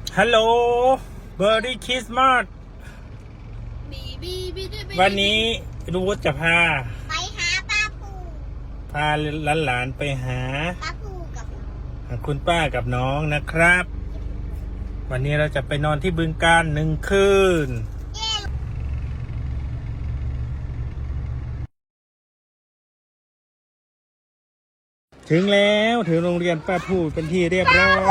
ฮัลโหลเบอร์รี่คริสต์มาสวันนี้รู้ว่าจะพาไปหาป้าปูพาหลานๆไปหาป้าปูกับคุณป้ากับน้องนะครับ วันนี้เราจะไปนอนที่บึงกาฬ1 คืนถึงแล้วถึงโรงเรียนป้าพูเป็นที่เรียบร้อย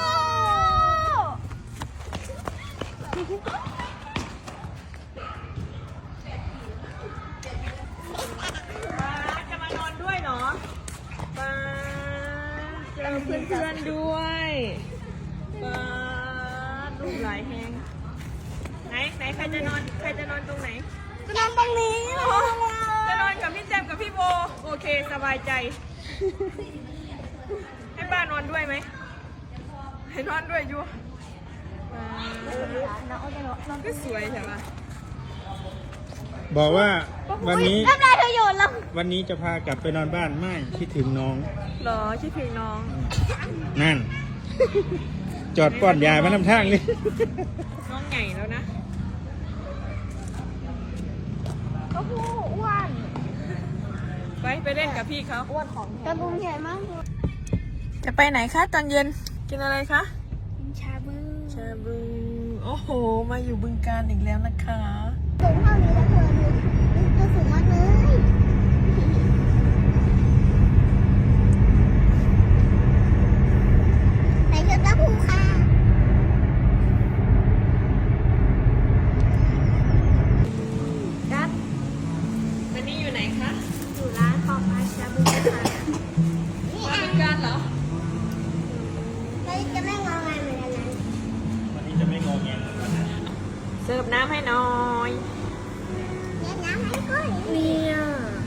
จะมานอนด้วยเนาะมาเจอเพื่อนๆด้วยมาลูกหลายแหงไหนใครจะนอนตรงไหนจะนอนตรงนี้จะนอนกับพี่แจมกับพี่โบโอเคสบายใจให้ป้านอนด้วยไหมให้นอนด้วยอยู่ก็สวยใช่ไหมบอกว่าวันนี้ทำไรเธออยู่แล้ววันนี้จะพากลับไปนอนบ้านไม่คิดถึงน้องหรอคิดถึงน้องนั่น จอดป้อนยามาน้ำทางนี่น้องใหญ่แล้วนะก็พูอ้วนไปเล่นกับพี่เขาอ้วนของกระบุงใหญ่มากจะไปไหนคะตอนเย็นกินอะไรคะชาบูโอ้โหมาอยู่บึงกาฬอีกแล้วนะคะสูงเท่านี้แล้วเธอดูสูงมากเลยใส่เสื้อกระพูค่ะครับวันนี้อยู่ไหนคะอยู่ร้านของอาชาบูค่ะมาบึงกาฬเหรอเราจะไม่งอแงเหมือนกันนะวันนี้จะไม่งอแงเหมือนกันนะเสิร์ฟน้ำให้หน่อยเล่นน้ำให้ก้อยเนี่ย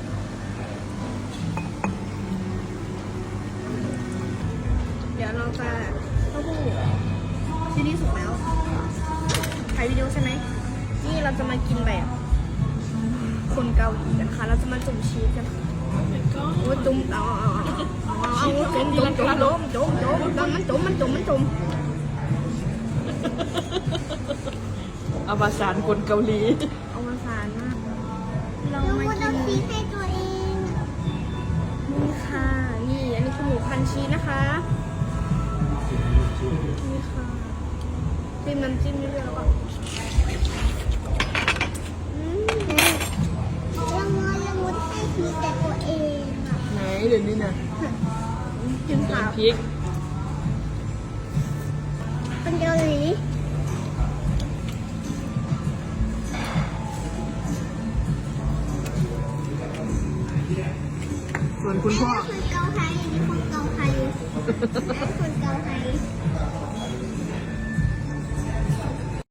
เดี๋ยวเราจะเต้าหู้ซีรีส์สุกแล้วถ่ายวิดีโอใช่ไหมนี่เราจะมากินแบบคนเกาหลีนะคะเราจะมาจุ่มชีสกันโอ้จุ่มเอาจุ่มมันเอาภาษาคนเกาหลีเอาภาษามากเรามากินชีสให้ตัวเองนี่ค่ะนี่อันนี้คือหมูพันชีสนะคะนี่ค่ะจิ้มน้ำจิ้มเรื่อยๆแล้วก็ละมุนให้ชีสแต่ตัวเองอ่ะไหนเดี๋ยวนี้นะกินผักพริกเป็นเกาหลีส่วนคุณพ่อคนเกาไทยนี่คนเกาไทยและคนเกาไทย